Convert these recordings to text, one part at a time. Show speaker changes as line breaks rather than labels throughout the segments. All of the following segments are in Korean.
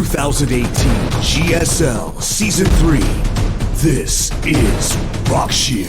2018 GSL Season 3. This is Rockshear.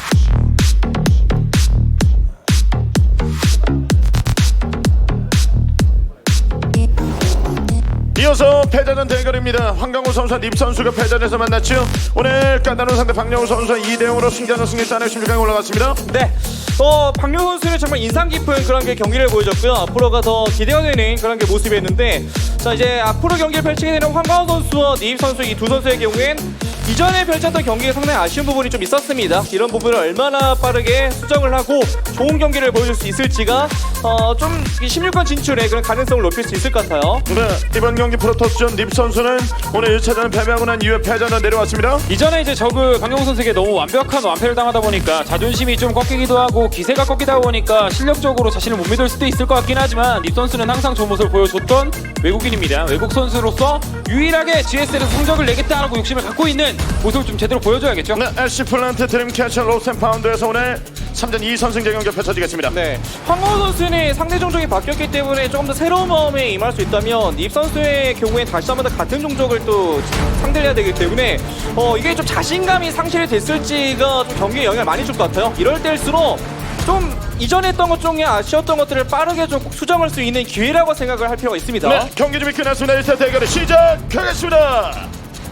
이어서 패자전 대결입니다. 황강호 선수와 립 선수가 패자전에서 만났죠. 오늘 까다로운 상대 박영우 선수와 2대0으로 승자전 승리 따내 16강에 올라갔습니다.
네. 박명호 선수는 정말 인상 깊은 그런 게 경기를 보여줬고요. 앞으로가 더 기대가 되는 그런 게 모습이었는데, 자 이제 앞으로 경기를 펼치게 되는 황강호 선수와 니입 선수 이 두 선수의 경우엔 이전에 펼쳤던 경기에 상당히 아쉬운 부분이 좀 있었습니다. 이런 부분을 얼마나 빠르게 수정을 하고 좋은 경기를 보여줄 수 있을지가 좀 16강 진출의 그런 가능성을 높일 수 있을 것 같아요.
네, 이번 경기 프로토스전 립 선수는 오늘 1차전을 패배하고 난 이후에 패자전 내려왔습니다.
이전에 이제 저그 강영호 선수에게 너무 완벽한 완패를 당하다 보니까 자존심이 좀 꺾이기도 하고 기세가 꺾이다 보니까 실력적으로 자신을 못 믿을 수도 있을 것 같긴 하지만 립 선수는 항상 좋은 모습을 보여줬던 외국인입니다. 외국 선수로서 유일하게 GSL에서 성적을 내겠다라고 욕심을 갖고 있는 모습을 좀 제대로 보여줘야겠죠.
네, LC 플란트 드림캐쳐 로스앤파운드에서 오늘 3전 2선승제 경기 펼쳐지겠습니다.
네, 황강호 선수는 상대 종족이 바뀌었기 때문에 조금 더 새로운 마음에 임할 수 있다면 닙 선수의 경우에 다시 한번 더 같은 종족을 또 상대를 해야 되기 때문에 이게 좀 자신감이 상실이 됐을지가 좀 경기에 영향을 많이 줄 것 같아요. 이럴 때일수록 좀 이전에 했던 것 중에 아쉬웠던 것들을 빠르게 좀 수정할 수 있는 기회라고 생각을 할 필요가 있습니다.
네, 경기 준비 끝났습니다. 1차 대결을 시작하겠습니다.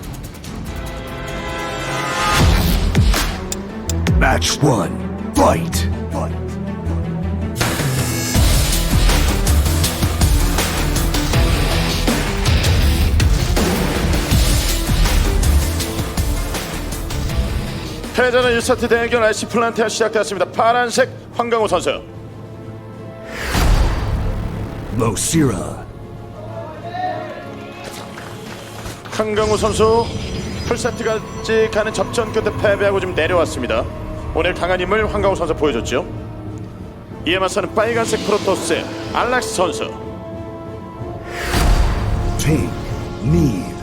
Match 1. Fight.
패자는 1세트 대결 LC 플란트가 시작되었습니다. 파란색 황강호 선수.
Losira.
황강호 선수 풀세트까지 가는 접전 끝에 패배하고 지금 내려왔습니다. 오늘 강한 힘을 황강호 선수 보여줬죠. 이에 맞서는 빨간색 프로토스 알락스 선수.
Take. Need.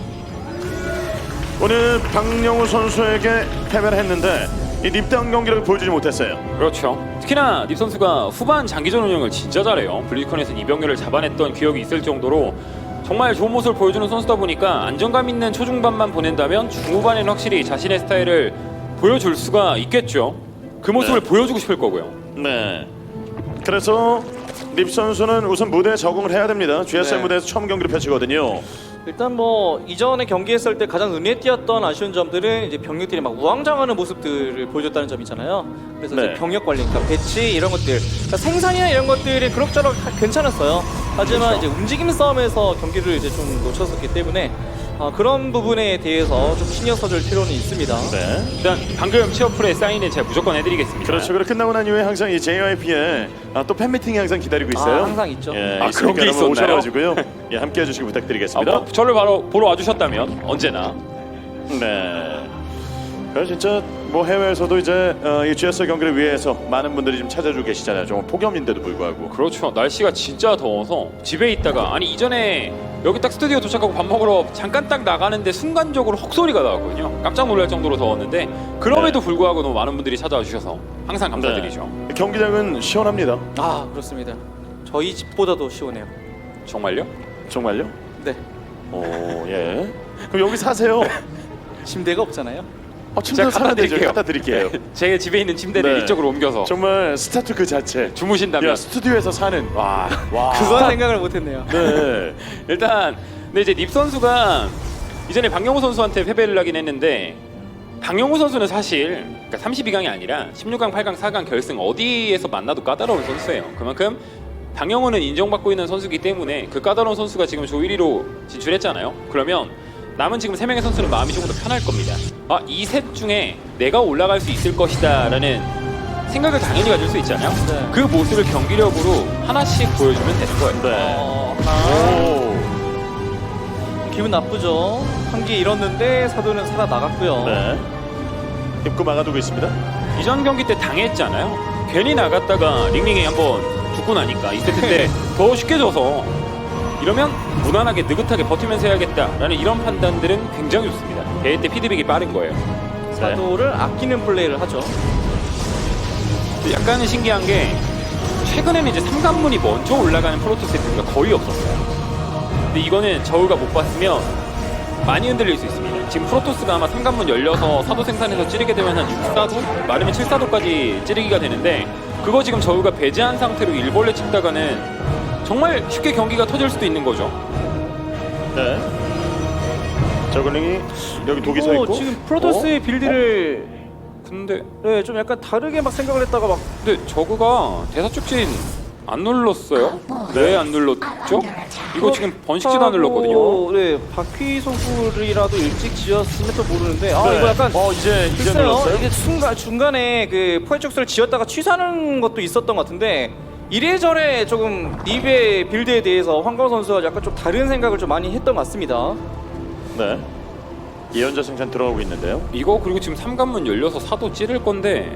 오늘 박영우 선수에게 패배를 했는데 이 립다운 경기력을 보여주지 못했어요.
그렇죠. 특히나 닙 선수가 후반 장기전 운영을 진짜 잘해요. 블리컨에서 이병렬을 잡아냈던 기억이 있을 정도로 정말 좋은 모습을 보여주는 선수다 보니까 안정감 있는 초중반만 보낸다면 중후반에는 확실히 자신의 스타일을 보여줄 수가 있겠죠. 그 모습을
네.
보여주고 싶을 거고요.
네. 그래서 립 선수는 우선 무대에 적응을 해야 됩니다. GSL
네.
무대에서 처음 경기를 펼치거든요.
일단 이전에 경기했을 때 가장 눈에 띄었던 아쉬운 점들은 이제 병력들이 막 우왕좌왕하는 모습들을 보여줬다는 점이잖아요. 그래서
네.
이제 병력 관리, 그러니까 배치 이런 것들, 그러니까 생산이나 이런 것들이 그럭저럭 괜찮았어요. 하지만
그렇죠.
이제 움직임 싸움에서 경기를 이제 좀 놓쳤었기 때문에 그런 부분에 대해서 좀 신경 써줄 필요는 있습니다.
네.
일단 방금 취업풀에 사인을 제가 무조건 해드리겠습니다.
그렇죠. 그리고 끝나고 난 이후에 항상 이 JYP에 또 팬미팅이 항상 기다리고 있어요.
항상 있죠.
예,
아, 그런 게 있었나요?
오셔가지고요. 예, 함께 해주시기 부탁드리겠습니다.
저를 바로 보러 와주셨다면 언제나.
네. 그래서 진짜 뭐 해외에서도 이제 이 GSL 경기를 위해서 많은 분들이 지금 찾아주고 계시잖아요. 정말 폭염인데도 불구하고.
그렇죠. 날씨가 진짜 더워서 집에 있다가 이전에 여기 딱 스튜디오 도착하고 밥 먹으러 잠깐 딱 나가는데 순간적으로 헉소리가 나왔거든요. 깜짝 놀랄 정도로 더웠는데 그럼에도
네.
불구하고 너무 많은 분들이 찾아와 주셔서 항상 감사드리죠.
네. 경기장은 시원합니다.
그렇습니다. 저희 집보다도 시원해요.
정말요?
정말요?
네.
오, 예. 그럼 여기 사세요.
침대가 없잖아요.
침대 사면 되죠. 갖다 드릴게요.
제 집에 있는 침대를
네.
이쪽으로 옮겨서
정말 스타트 그 자체.
주무신다면
야, 스튜디오에서 사는.
와.
그건 생각을 못했네요.
네.
일단 근데 이제 닙 선수가 이전에 박영호 선수한테 패배를 하긴 했는데 박영호 선수는 사실 그러니까 32강이 아니라 16강, 8강, 4강 결승 어디에서 만나도 까다로운 선수예요. 그만큼 박영호는 인정받고 있는 선수이기 때문에 그 까다로운 선수가 지금 조 1위로 진출했잖아요. 그러면 남은 지금 3명의 선수는 마음이 조금 더 편할 겁니다. 이 셋 중에 내가 올라갈 수 있을 것이다 라는 생각을 당연히 가질 수 있잖아요.
네.
그 모습을 경기력으로 하나씩 보여주면 되는 거예요.
네.
하나.
오.
기분 나쁘죠. 한 개 잃었는데 사도는 살아나갔고요.
네. 입구 막아두고 있습니다.
이전 경기 때 당했잖아요. 괜히 나갔다가 링링이 한번 죽고 나니까 이 세트 때 더 쉽게 져서 이러면 무난하게 느긋하게 버티면서 해야겠다라는 이런 판단들은 굉장히 좋습니다. 대회 때 피드백이 빠른 거예요.
사도를 아끼는 플레이를 하죠.
약간은 신기한 게 최근에는 이제 3관문이 먼저 올라가는 프로토스 세트가 거의 없었어요. 근데 이거는 저우가 못 봤으면 많이 흔들릴 수 있습니다. 지금 프로토스가 아마 삼관문 열려서 사도 생산해서 찌르게 되면 한 6사도? 많으면 7사도까지 찌르기가 되는데 그거 지금 저우가 배제한 상태로 일벌레 찍다가는 정말 쉽게 경기가 터질 수도 있는 거죠.
네. 저글링이 여기 독이 서 있고.
지금 프로토스의 빌드를
근데
네, 좀 약간 다르게 막 생각을 했다가 막
근데 저그가 대사 축진 안 눌렀어요? 왜 안 눌렀죠? 이거 지금 번식지도 안 눌렀거든요.
네, 바퀴 소굴이라도 일찍 지었으면 또 모르는데 아
네.
이거 약간
이제
글쎄요.
눌렀어요?
이게 중간에 그 포획적소를 지었다가 취소하는 것도 있었던 것 같은데 이래저래 조금 닙의 빌드에 대해서 황가우 선수가 약간 좀 다른 생각을 좀 많이 했던 것 같습니다.
네. 예언자 생산 들어가고 있는데요.
이거 그리고 지금 삼관문 열려서 사도 찌를 건데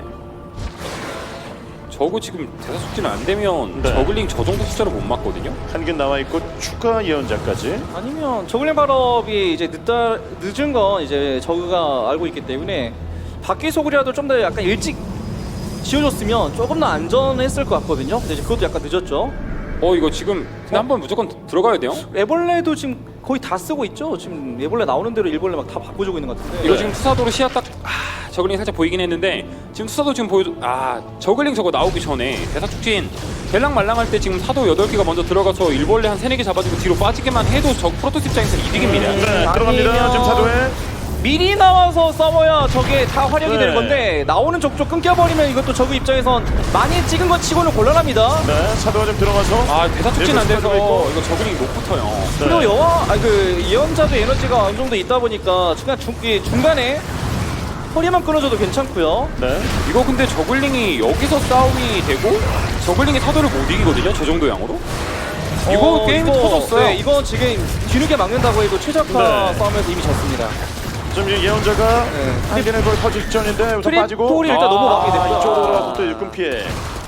저거 지금 대사 숙지는 안 되면
네.
저글링 저 정도 숫자로 못 맞거든요.
한균 나와 있고 추가 예언자까지.
아니면 저글링 발업이 이제 늦은 건 이제 저그가 알고 있기 때문에 바퀴 소굴이라도 좀 더 약간 일찍 지어줬으면 조금 더 안전했을 것 같거든요. 근데 이제 그것도 약간 늦었죠.
이거 지금 근데 한번 무조건 들어가야 돼요.
애벌레도 지금 거의 다 쓰고 있죠. 지금 애벌레 나오는 대로 일벌레 막 다 바꿔주고 있는 것 같은데.
이거 지금 투사도로 시야 딱 저글링 살짝 보이긴 했는데 지금 투사도 지금 보여줘 저글링 저거 나오기 전에 대사 축진 될랑말랑할 때 지금 사도 8개가 먼저 들어가서 일벌레 한 3-4개 잡아주고 뒤로 빠지게만 해도 저 프로토스 입장에서 이득입니다.
네, 들어갑니다.
아니면-
지금 사도에.
미리 나와서 싸워야 저게 다 활용이
네.
되는 건데 나오는 족족 끊겨버리면 이것도 저그 입장에선 많이 찍은 것 치고는 곤란합니다.
네, 사도가 좀 들어가서.
대사 축진 안 돼서
네,
이거 저글링이 못 붙어요.
네.
그리고 그 예언자도 에너지가 어느 정도 있다 보니까 중간에 허리만 끊어줘도 괜찮고요.
네.
이거 근데 저글링이 여기서 싸움이 되고 저글링이 사도를 못 이기거든요. 저 정도 양으로. 이거 게임이 터졌어요.
네, 이거 지금 뒤늦게 막는다고 해도 최적화
네.
싸움에서 이미 졌습니다.
지금 이 예언자가
네.
한 개는 거의 터질 직전인데 우선 빠지고.
트리플이 일단 넘어가게 됩니다.
이쪽으로 들어가서 또 일꾼 피해.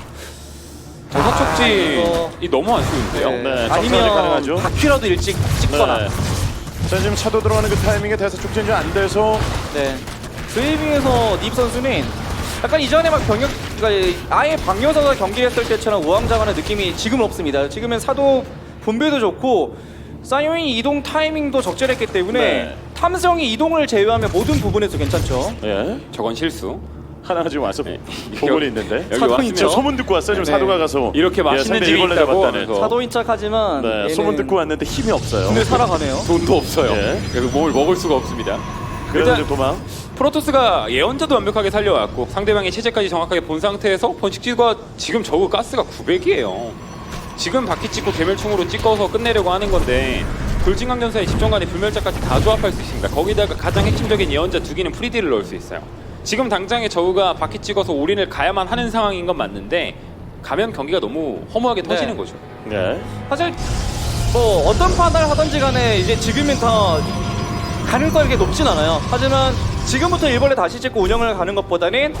대사 축진이
이거-
너무 아쉬운데요.
네, 정찰이 가능하죠.
아니면 바퀴라도 일찍 찍거나.
네. 자, 지금 차도 들어가는 그 타이밍에 대사 축진이 안 돼서.
네. 드리빙에서 닙 선수는 약간 이전에 막 그러니까 아예 방여사가 경기했을 때처럼 우왕좌왕하는 느낌이 지금은 없습니다. 지금은 사도 분배도 좋고 사이오인 이동 타이밍도 적절했기 때문에
네.
탐성이 이동을 제외하면 모든 부분에서 괜찮죠.
예.
저건 실수.
하나가 지금 와서
네.
보고는 있는데.
여기
사도
왔으면
있죠?
소문 듣고 왔어요. 지금
네.
사도가 가서
이렇게 맛있는
상대
집이
일벌레
있다고
잡았다는.
하면서.
사도인 척하지만
네,
얘는
소문 듣고 왔는데 힘이 없어요.
근데 살아가네요.
돈도 없어요.
예.
그래서 뭘 먹을 수가 없습니다.
그래서
일단
이제 도망.
프로토스가 예언자도 완벽하게 살려왔고 상대방의 체제까지 정확하게 본 상태에서 번식지가 지금 저거 가스가 900이에요. 지금 바퀴 찍고 개멸충으로 찍어서 끝내려고 하는 건데 돌진강전사의 집정관의 불멸자까지 다 조합할 수 있습니다. 거기다가 가장 핵심적인 예언자 2개는 프리디를 넣을 수 있어요. 지금 당장에 저우가 바퀴 찍어서 올인을 가야만 하는 상황인 건 맞는데 가면 경기가 너무 허무하게 터지는 거죠.
네.
사실 뭐 어떤 판단을 하든지 간에 이제 지금은 다 가능성이 그렇게 높진 않아요. 하지만 지금부터 일벌레 다시 찍고 운영을 가는 것보다는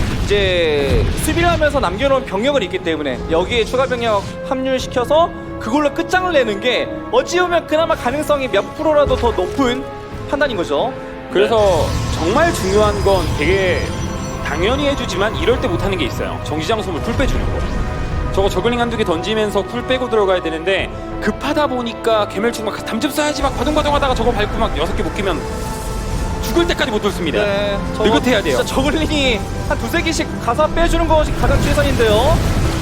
이제 수비를 하면서 남겨놓은 병력을 있기 때문에 여기에 추가 병력 합류시켜서 그걸로 끝장을 내는 게 어찌 보면 그나마 가능성이 몇 프로라도 더 높은 판단인 거죠.
그래서 정말 중요한 건 되게 당연히 해주지만 이럴 때 못하는 게 있어요. 정지장 소물 풀 빼주는 거. 저거 저글링 한두 개 던지면서 쿨 빼고 들어가야 되는데 급하다 보니까 개멸충 막 담즙 써야지 막 바둥바둥 하다가 저거 밟고 막 6개 못 끼면 죽을 때까지 못 돌습니다. 느긋해야 돼요.
진짜 저글링이 한 2-3개씩 가사 빼주는 것이 가장 최선인데요.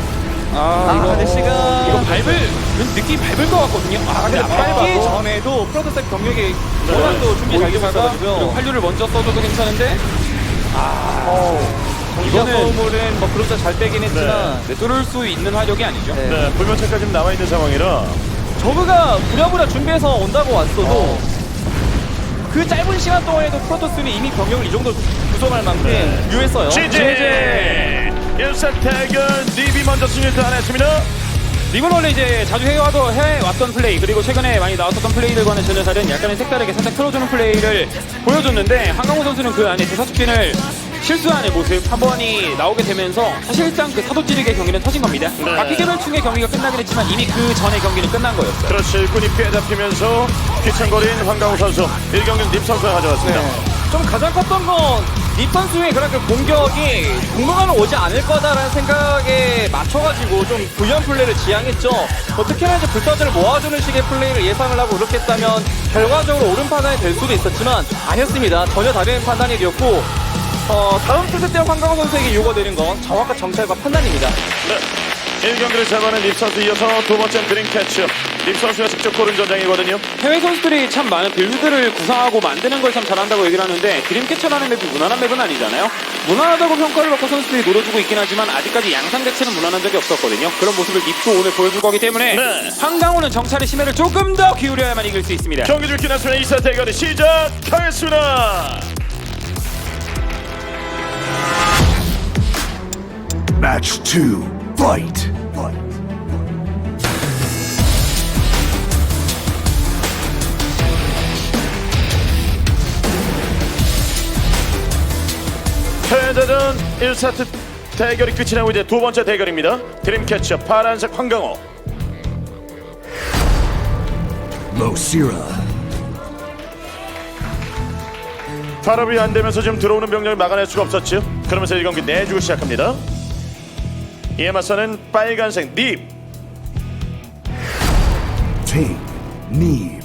이거
아저씨가
이거 느낌이 밟을 것 같거든요. 근데 안
빨기
밟아도
전에도 프로토스 경력이 워낙 또 준비 잘
그리고
되었어가지고요.
활류를 먼저 써줘도 괜찮은데
이거는
이거는
소물은 뭐 그렇게 잘 빼긴 했지만
뚫을 수 있는 화력이 아니죠.
네.
네, 불면차까지 지금 나와 있는 상황이라.
저그가 부랴부랴 준비해서 온다고 왔어도 그 짧은 시간 동안에도 프로토스는 이미 병력을 이 정도 구성할 만큼 유했어요.
GG! 1세 태근 닙이 먼저 승리를 따냈습니다.
립은 원래 이제 자주 해왔던 플레이 그리고 최근에 많이 나왔었던 플레이들과는 전혀 다른 약간의 색다르게 살짝 틀어주는 플레이를 보여줬는데 한강호 선수는 그 안에 대사숙진을 실수하는 모습 한 번이 나오게 되면서 사실상 그 사도 찌르기의 경기는 터진 겁니다.
네.
바퀴 개별충의 경기가 끝나긴 했지만 이미 그 전의 경기는 끝난 거였어요.
그렇지, 일꾼이 피해 잡히면서 귀청거린 황강우 선수 1경기는 닙 선수가 가져왔습니다.
좀 가장 컸던 건 립 선수의 그런 그 공격이 공격하면 오지 않을 거다라는 생각에 맞춰가지고 좀 부연 플레이를 지향했죠. 특히나 이제 불사조를 모아주는 식의 플레이를 예상을 하고 그렇게 했다면 결과적으로 옳은 판단이 될 수도 있었지만 아니었습니다. 전혀 다른 판단이었고 다음 투수 때 황강호 선수에게 요구되는 건 정확한 정찰과 판단입니다.
네. 1경기를 잡아낸 립 선수 이어서 두 번째 드림캐쳐. 립 선수가 직접 고른 전장이거든요.
해외 선수들이 참 많은 빌드들을 구상하고 만드는 걸 참 잘한다고 얘기를 하는데 드림캐쳐라는 맵이 무난한 맵은 아니잖아요. 무난하다고 평가를 받고 선수들이 노려주고 있긴 하지만 아직까지 양상 자체는 무난한 적이 없었거든요. 그런 모습을 립도 오늘 보여줄 거기 때문에
네.
황강호는 정찰의 심해를 조금 더 기울여야만 이길 수 있습니다.
경기 중 끝났으면 2사 대결이 시작하겠습니다.
Match 2. Fight.
패자전 1세트 대결이 끝이 나고 이제 두 번째 대결입니다. 드림캐쳐 파란색 황강호.
Losira.
발업이 안 되면서 지금 들어오는 병력을 막아낼 수가 없었죠. 그러면서 이 경기 내주고 시작합니다. 이에 맞서는 빨간색 닙.
Team Need.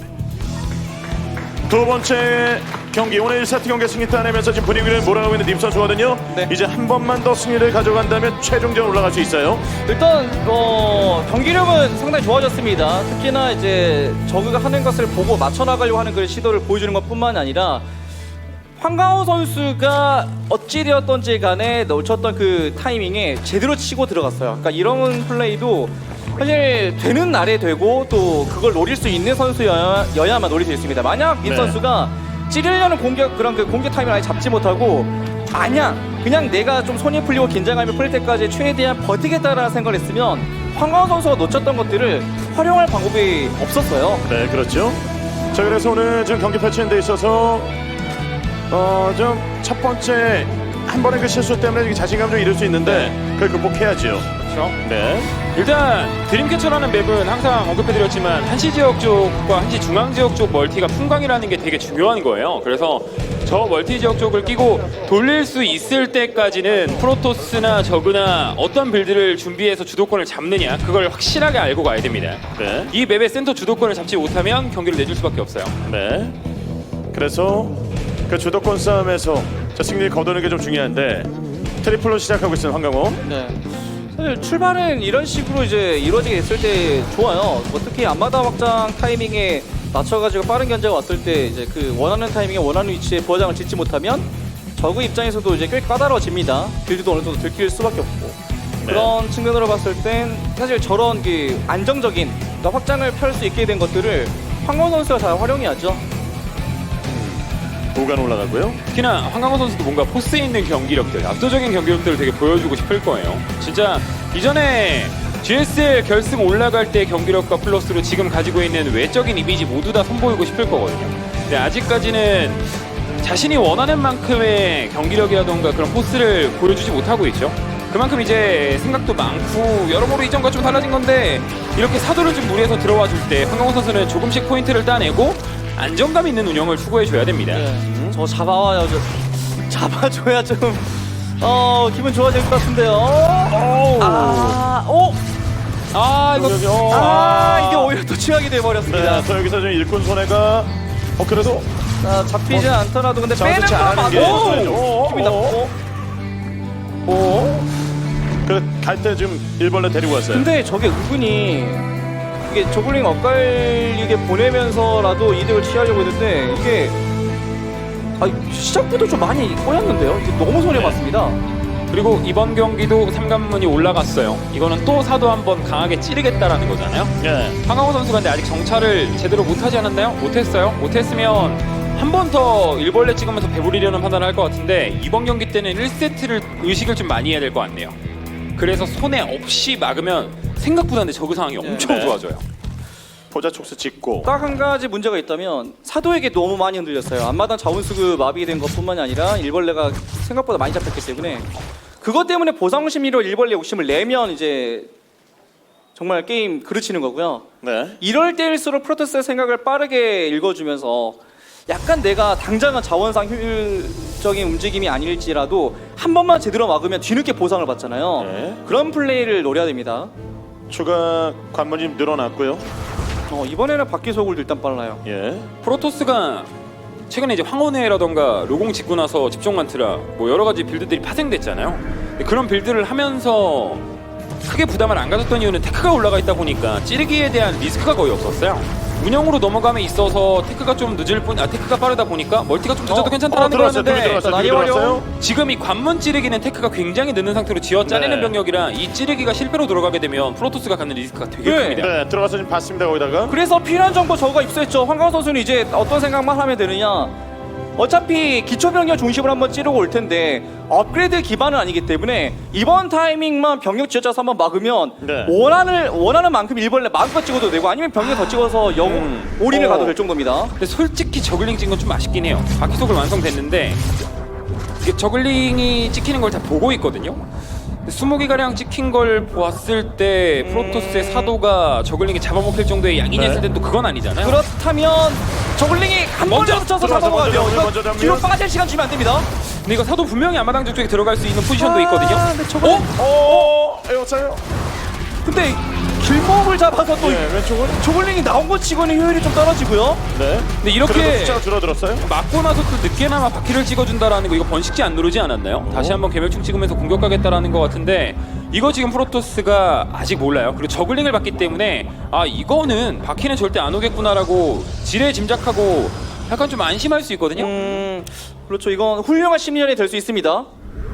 두 번째 경기 오늘 1세트 경기 승리 따내면서 지금 분위기를 몰아가고 있는 닙 선수거든요.
네.
이제 한 번만 더 승리를 가져간다면 최종전 올라갈 수 있어요.
일단 경기력은 상당히 좋아졌습니다. 특히나 이제 저그가 하는 것을 보고 맞춰 나가려고 하는 그런 시도를 보여주는 것뿐만 아니라 황강호 선수가 어찌되었던지 간에 놓쳤던 그 타이밍에 제대로 치고 들어갔어요. 그러니까 이런 플레이도 사실 되는 날에 되고 또 그걸 노릴 수 있는 선수여야만 노릴 수 있습니다. 만약 이
네.
선수가 찌르려는 그런 그 공격 타이밍을 아예 잡지 못하고 마냥 그냥 내가 좀 손이 풀리고 긴장감이 풀릴 때까지 최대한 버티겠다라는 생각을 했으면 황강호 선수가 놓쳤던 것들을 활용할 방법이 없었어요.
네, 그렇죠. 자, 그래서 오늘 지금 경기 펼치는 데 있어서 좀 첫 번째 한 번의 그 실수 때문에 자신감 좀 잃을 수 있는데 그걸 극복해야죠.
그렇죠.
네.
일단 드림캐쳐라는 맵은 항상 언급해드렸지만 한시 지역 쪽과 한시 중앙 지역 쪽 멀티가 풍광이라는 게 되게 중요한 거예요. 그래서 저 멀티 지역 쪽을 끼고 돌릴 수 있을 때까지는 프로토스나 저그나 어떤 빌드를 준비해서 주도권을 잡느냐 그걸 확실하게 알고 가야 됩니다.
네.
이 맵의 센터 주도권을 잡지 못하면 경기를 내줄 수밖에 없어요.
네. 그래서 그 주도권 싸움에서 승리를 거두는 게 좀 중요한데 트리플로 시작하고 있는 황강호.
네. 사실 출발은 이런 식으로 이제 이루어지게 됐을 때 좋아요. 특히 앞마당 확장 타이밍에 맞춰가지고 빠른 견제가 왔을 때 이제 그 원하는 타이밍에 원하는 위치에 부하장을 짓지 못하면 저그 입장에서도 이제 꽤 까다로워집니다. 빌드도 어느 정도 들킬 수밖에 없고 그런 측면으로 봤을 땐 사실 저런 그 안정적인 그러니까 확장을 펼 수 있게 된 것들을 황강호 선수가 잘 활용해야죠.
오간 올라가고요.
특히나 황강호 선수도 뭔가 포스 있는 경기력들, 압도적인 경기력들을 되게 보여주고 싶을 거예요. 진짜 이전에 GSL 결승 올라갈 때 경기력과 플러스로 지금 가지고 있는 외적인 이미지 모두 다 선보이고 싶을 거거든요. 근데 아직까지는 자신이 원하는 만큼의 경기력이라던가 그런 포스를 보여주지 못하고 있죠. 그만큼 이제 생각도 많고 여러모로 이전과 좀 달라진 건데 이렇게 사도를 좀 무리해서 들어와 줄 때 황강호 선수는 조금씩 포인트를 따내고 안정감 있는 운영을 추구해줘야 됩니다.
네. 저 잡아와요. 잡아줘야 좀 기분 좋아질 것 같은데요. 이게 오히려 또 취약이 돼버렸습니다.
네, 또 여기서 좀 일꾼 손해가 그래도
잡히지 않더라도 근데 빼는
잡지
건
않은 게
맞고 기분이 나쁘고.
그래 갈 때 좀 일벌레 데리고 왔어요.
근데 저게 은근히 이게 저글링 엇갈리게 보내면서라도 이득을 취하려고 했는데 이게 시작부터 좀 많이 꼬였는데요. 이게 너무 손해 봤습니다.
그리고 이번 경기도 삼관문이 올라갔어요. 이거는 또 사도 한번 강하게 찌르겠다라는 거잖아요.
네.
황강호 선수가 근데 아직 정찰을 제대로 못하지 않았나요? 못했어요. 못했으면 한 번 더 일벌레 찍으면서 배부리려는 판단을 할 것 같은데 이번 경기 때는 1세트를 의식을 좀 많이 해야 될 것 같네요. 그래서 손해 없이 막으면 생각보다 근데 저그 상황이 엄청 좋아져요.
포자 촉수 짓고
딱 한 가지 문제가 있다면 사도에게 너무 많이 흔들렸어요. 앞마당 자원수급 마비된 것뿐만이 아니라 일벌레가 생각보다 많이 잡혔기 때문에 그것 때문에 보상 심리로 일벌레 욕심을 내면 이제 정말 게임 그르치는 거고요.
네.
이럴 때일수록 프로토스의 생각을 빠르게 읽어주면서 약간 내가 당장은 자원상 적인 움직임이 아닐지라도 한 번만 제대로 막으면 뒤늦게 보상을 받잖아요.
네.
그런 플레이를 노려야 됩니다.
추가 관문이 좀 늘어났고요.
이번에는 바퀴 소굴도 일단 빨라요.
예.
프로토스가 최근에 이제 황혼회라던가 로공 짓고 나서 집중 만트라 뭐 여러 가지 빌드들이 파생됐잖아요. 근데 그런 빌드를 하면서 크게 부담을 안 가졌던 이유는 테크가 올라가 있다 보니까 찌르기에 대한 리스크가 거의 없었어요. 운영으로 넘어감에 있어서 테크가 좀 늦을 뿐, 테크가 빠르다 보니까 멀티가 좀 늦어도 괜찮다는
들어왔어요.
거였는데
들어왔어요.
지금 이 관문 찌르기는 테크가 굉장히 늦는 상태로 지어 짜내는
네.
병력이라 이 찌르기가 실패로 들어가게 되면 프로토스가 갖는 리스크가 되게
네.
큽니다.
네, 들어가서 지금 봤습니다. 거기다가.
그래서 필요한 정보 저거가 입수했죠. 황가우 선수는 이제 어떤 생각만 하면 되느냐. 어차피 기초병력 중심으로 한번 찌르고 올 텐데 업그레이드 기반은 아니기 때문에 이번 타이밍만 병력 지어짜서 한번 막으면
네.
원하는 만큼 일벌레 마음껏 찍어도 되고 아니면 병력 더 찍어서 올인을 가도 될 정도입니다.
근데 솔직히 저글링 찍은 건 좀 아쉽긴 해요. 바퀴속을 완성됐는데 이게 저글링이 찍히는 걸 다 보고 있거든요. 20기가량 찍힌 걸 보았을 때 프로토스의 사도가 저글링이 잡아먹힐 정도의 양이냐
네.
했을 땐 또 그건 아니잖아요.
그렇다면 저글링이 한 번에
먼저
붙여서
들어가서
잡아먹어야
먼저
돼요.
먼저
이거
잡으면-
뒤로 빠질 시간 주면 안 됩니다.
근데 이거 사도 분명히 아마당 쪽에 들어갈 수 있는 포지션도 있거든요.
근데 저글링
에어차요.
근데 길목을 잡아서 또
네, 왼쪽은.
저글링이 나온 것 치고는 효율이 좀 떨어지고요.
네.
근데 이렇게
그래도 숫자가 줄어들었어요.
맞고 나서 또 늦게나마 바퀴를 찍어준다라는 거 이거 번식지 안 누르지 않았나요? 다시 한번 개멸충 찍으면서 공격하겠다라는 것 같은데 이거 지금 프로토스가 아직 몰라요. 그리고 저글링을 봤기 때문에 아 이거는 바퀴는 절대 안 오겠구나라고 지레 짐작하고 약간 좀 안심할 수 있거든요.
그렇죠. 이건 훌륭한 심리전이 될 수 있습니다.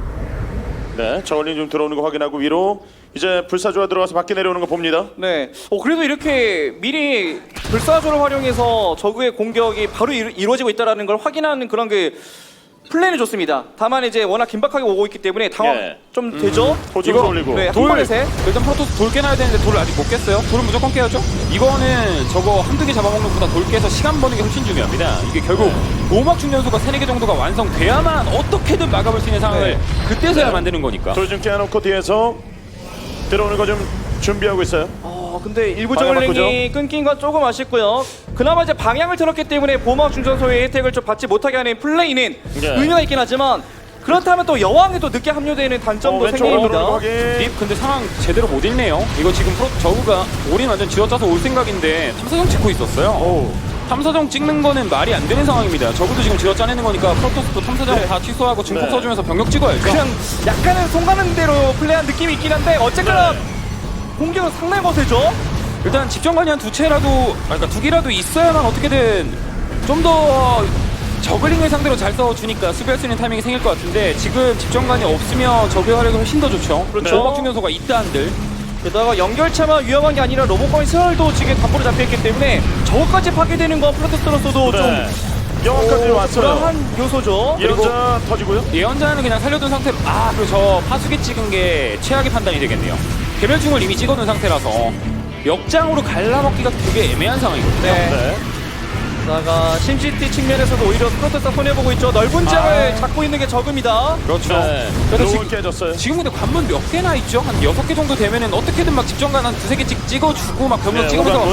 네, 저울링 좀 들어오는 거 확인하고 위로 이제 불사조가 들어가서 밖에 내려오는 거 봅니다.
네. 그래도 이렇게 미리 불사조를 활용해서 적의 공격이 바로 이루어지고 있다는 걸 확인하는 그런 그 플랜이 좋습니다. 다만 이제 워낙 긴박하게 오고 있기 때문에 당황
예.
좀 되죠.
포즈를 올리고.
네, 한
돌
번에 세.
일단 프로토스 돌 깨놔야 되는데 돌을 아직 못 깼어요. 돌은 무조건 깨야죠. 이거는 저거 한두 개 잡아먹는 것보다 돌 깨서 시간 버는 게 훨씬 중요합니다. 이게 결국 보호막 충전소가 3-4개 정도가 완성돼야만 어떻게든 막아볼 수 있는 상황을
네.
그때서야 만드는 거니까.
돌 좀 깨놓고 뒤에서 들어오는 거 좀 준비하고 있어요.
근데 일부
방향
저글링이 끊긴 건 조금 아쉽고요. 그나마 이제 방향을 틀었기 때문에 보호막 충전소의 혜택을 좀 받지 못하게 하는 플레이는
네.
의미가 있긴 하지만 그렇다면 또 여왕이 또 늦게 합류되는 단점도
왼쪽으로 들어오는 거
생깁니다.
확인.
립 근데 상황 제대로 못 읽네요. 이거 지금 저우가 올인 완전 쥐어짜서 올 생각인데 탐사정 찍고 있었어요.
오.
탐사정 찍는 거는 말이 안 되는 상황입니다. 저우도 지금 쥐어짜내는 거니까 프로토스도 탐사정
네.
다 취소하고 증폭
네.
써주면서 병력 찍어야죠.
그냥 약간은 송가는 대로 플레이한 느낌이 있긴 한데 어쨌거나 공격은 상당히 거세죠.
일단 집정관이 한 두 채라도, 그러니까 두 개라도 있어야만 어떻게든 좀 더 저글링을 상대로 잘 싸워주니까 수비할 수 있는 타이밍이 생길 것 같은데 지금 집정관이 없으면 저그 활약이 훨씬 더 좋죠.
그렇죠.
보호막 충전소가 있다 한들.
게다가 연결차만 위험한 게 아니라 로봇과의 세월도 지금 담보로 잡혀있기 때문에 저것까지 파괴되는 건 프로토스로서도
네. 영화까지
좀
왔어요.
불안한 요소죠.
예언자 터지고요.
예언자는 그냥 살려둔 상태로 그리고 저 파수기 찍은 게 최악의 판단이 되겠네요. 개별충을 이미 찍어둔 상태라서 역장으로 갈라먹기가 되게 애매한 상황이거든요.
네.
네.
게다가 심시티 측면에서도 오히려 프로토스가 손해보고 있죠. 넓은 장을 잡고 있는 게 적입니다.
그렇죠.
네.
그래서
로운 깨졌어요.
지금 근데 관문 몇 개나 있죠? 한 6개 정도 되면은 어떻게든 막 집정관 한 2-3개 찍어주고 막 병력
네,
찍으면서
오관문.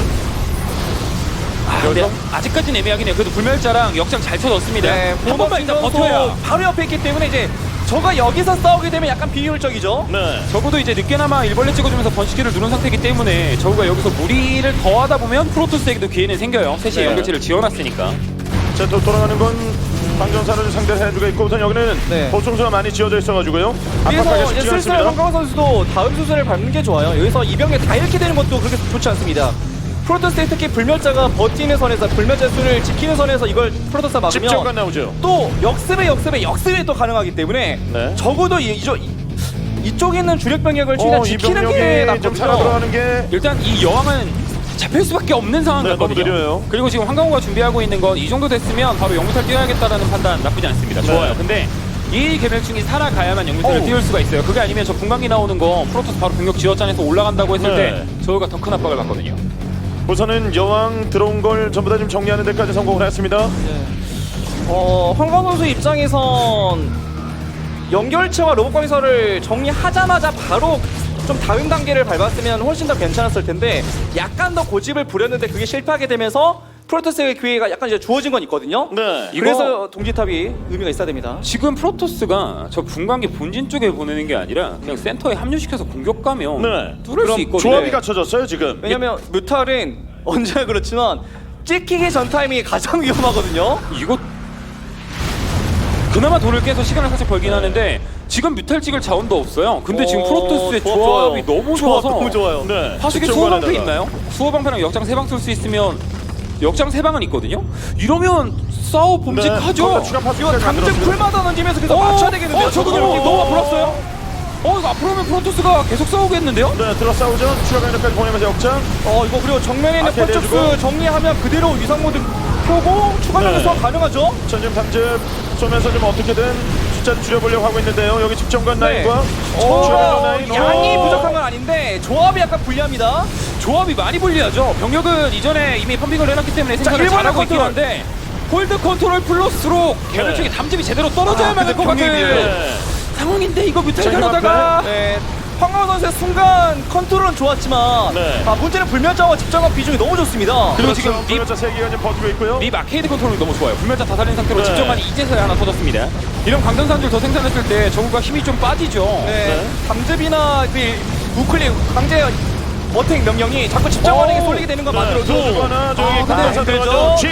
근데 아직까지는 애매하긴 해요. 그래도 불멸자랑 역장 잘 쳐졌습니다. 한 번만 일단 버텨야.
바로 옆에 있기 때문에 이제 저가 여기서 싸우게 되면 약간 비효율적이죠.
네.
적어도 이제 늦게나마 일벌레 찍어주면서 번식기를 누른 상태이기 때문에 저우가 여기서 무리를 더하다 보면 프로토스에게도 기회는 생겨요. 셋이
네.
연결체를 지어놨으니까.
자, 또 돌아가는 건 방정사를 상대를 해주고 있고 우선 여기는
네.
보충수가 많이 지어져 있어가지고요.
그래서
압박하게
이제
쉽지
슬슬
않습니다.
황강호 선수도 다음 수순을 밟는 게 좋아요. 여기서 이병력 다 잃게 되는 것도 그렇게 좋지 않습니다. 프로토스의 특히 불멸자가 버티는 선에서 불멸자 수를 지키는 선에서 이걸 프로토스가 막으면
집정관 나오죠.
또 역습에 또 가능하기 때문에
네.
적어도 이쪽에 있는 주력 병력을 최대한 지키는 게
좀 살아
낫거든요.
들어가는 게
일단 이 여왕은 잡힐 수밖에 없는 상황
네,
같거든요.
너무 느려요.
그리고 지금 황강호가 준비하고 있는 건 이 정도 됐으면 바로 영무탈 뛰어야겠다라는 판단 나쁘지 않습니다.
네.
좋아요. 근데 이 개멸충이 살아가야만 영무탈을 띄울 수가 있어요. 그게 아니면 저 분광기 나오는 거 프로토스 바로 병력 지어짜내서 올라간다고 했을
네.
때 저우가 더 큰 압박을 받거든요.
우선은 여왕 들어온 걸 전부 다 좀 정리하는 데까지 성공을 했습니다.
황광호 선수 입장에선 연결체와 로봇 건설을 정리하자마자 바로 좀 다음 단계를 밟았으면 훨씬 더 괜찮았을 텐데 약간 더 고집을 부렸는데 그게 실패하게 되면서 프로토스의 기회가 약간 이제 주어진 건 있거든요.
네.
그래서 동지탑이 의미가 있어야 됩니다.
지금 프로토스가 저 분광기 본진 쪽에 보내는 게 아니라 그냥 센터에 합류시켜서 공격 가면
네.
뚫을
그럼
수 있거든요.
조합이 갖춰졌어요 지금.
왜냐면 뮤탈은 언제나 그렇지만 찍히기 전 타이밍이 가장 위험하거든요.
이거 그나마 돌을 깨서 시간을 살짝 벌긴 하는데 지금 뮤탈 찍을 자원도 없어요. 근데 지금 프로토스의
조합
조합이
좋아요.
너무
조합
좋아서
너무 좋아요.
네.
하수기
집중관에다가.
수호방패 있나요? 수호방패랑 역장 3방 쓸 수 있으면 역장 3방은 있거든요? 이러면 싸워 봄직하죠?
거기다 추가 파수까지
이거 당장
만들었습니다.
풀마다 던지면서 계속 맞춰야 되겠는데요.
저거 너무 앞으로 왔어요? 이거 앞으로 오면 프로토스가 계속 싸우겠는데요?
네, 들어 싸우죠. 추가 강력까지 보내면서 역장.
이거 그리고 정면에 있는
앞에
펄쪽스
내주고.
정리하면 그대로 위상 모드 켜고 추가
네.
면서 가능하죠?
전진 탐즙 쏘면서 좀 어떻게든 숫자를 줄여보려고 하고 있는데요. 여기 집정관 라인과 추가 라인.
양이
오.
부족한 건 아닌데 조합이 약간 불리합니다.
조합이 많이 불리하죠. 병력은 이전에 이미 펌핑을 해놨기 때문에 생각을
일본의
잘하고 있긴
컨트롤.
한데 홀드 컨트롤 플러스로 개별 쪽에 담집이 제대로 떨어져야만 할 것 같은
네.
상황인데 이거 뮤탈
자,
가다가
네. 황가우 선수의 순간 컨트롤은 좋았지만
네.
문제는 불면자와 집정관 비중이 너무 좋습니다.
그리고
그렇죠.
지금
불멸자 세 개가 지금 버티고 있고요.
립 아케이드 컨트롤이 너무 좋아요. 불멸자 다 살린 상태로
네.
집정관이 이제서야 하나 터졌습니다. 이런 강전산줄 더 생산했을 때 저구가 힘이 좀 빠지죠.
네. 담즙이나 그 우클릭 강제 어택 명령이 자꾸 집정관에게 쏠리게 되는 건 만들어도
들어주고 하나 저기
근데
강전사
힘들죠?
들어가죠.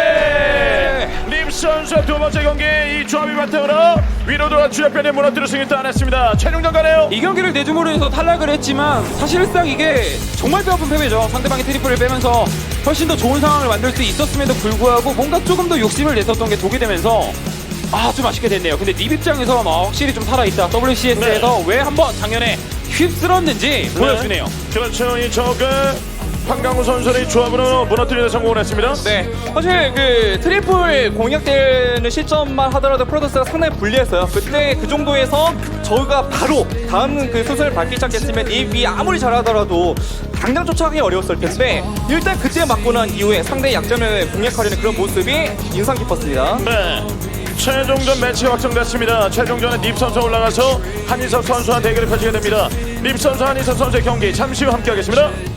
지제!
립 선수의 두 번째 경기 이 조합이 바탕으로 위로 돌아 주력변에 무너뜨릴 승리 따냈습니다. 최종전 가네요.
이 경기를 내주으로 해서 탈락을 했지만 사실상 이게 정말 뼈아픈 패배죠. 상대방이 트리플을 빼면서 훨씬 더 좋은 상황을 만들 수 있었음에도 불구하고 뭔가 조금 더 욕심을 냈었던 게 독이 되면서 좀 아쉽게 됐네요. 근데 립 입장에서 확실히 좀 살아있다. WCS에서 왜 한번 작년에 휩쓸었는지 보여주네요.
그렇죠. 이 저그 황강우 선수의 조합으로 무너뜨리는 데 성공을 했습니다.
네, 사실 그 트리플 공략되는 시점만 하더라도 프로토스가 상당히 불리했어요. 그때 그 정도에서 저희가 바로 다음 그 순서를 밟기 시작했으면 이 아무리 잘하더라도 당장 쫓아가기 어려웠을 텐데 일단 그때 맞고 난 이후에 상대의 약점을 공략하려는 그런 모습이 인상 깊었습니다.
네. 최종전 매치가 확정됐습니다. 최종전에 립 선수 올라가서 한희석 선수와 대결을 펼치게 됩니다. 립 선수, 한희석 선수의 경기 잠시 후 함께하겠습니다.